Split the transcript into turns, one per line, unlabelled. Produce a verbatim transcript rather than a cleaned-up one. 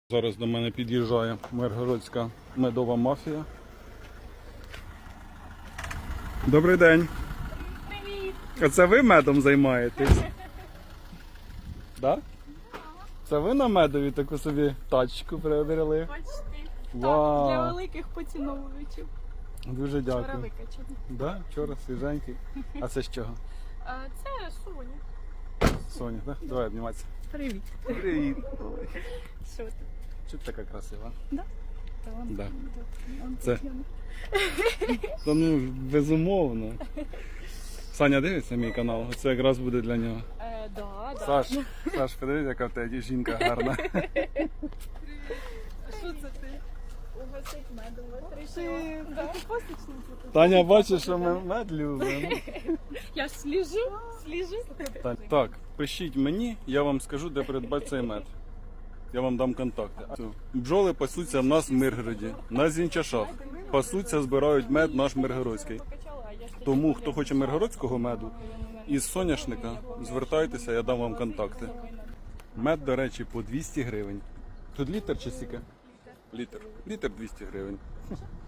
Зараз до мене під'їжджає миргородська медова мафія. Добрий день.
Привіт!
А це ви медом займаєтесь? Да? Це ви на медові таку собі тачку приобрели?
Почти.
Вау.
Так, для великих поціновувачів.
Дуже
Вчора
дякую.
викачані.
Да? Вчора свіженький. А це з чого?
А, Це Соня.
Соня, так? Да? Давай обніматися.
Привіт.
Привіт.
Що ти?
Чого ти така красива?
Да? Та вон,
Да.
вон
Це-
Тетяна.
Та ну, безумовно. Саня дивиться мій канал, це якраз буде для нього.
Е, да, да.
Саш, Саш, подивись, яка в тебе жінка гарна.
А що це ти? Угостить медом. Ти да? Пасічниця.
Таня бачить, що ми мед любимо.
Я ж сліжу, сліжу.
Так, так, пишіть мені, я вам скажу, де придбати цей мед. Я вам дам контакти. Бджоли пасуться в нас в Миргороді, на Зінчашах. Пасуться, збирають мед наш миргородський. Тому, хто хоче миргородського меду із соняшника, звертайтеся, я дам вам контакти. Мед, до речі, по двісті гривень. Тут літр чи стільки? Літр. Літр двісті гривень.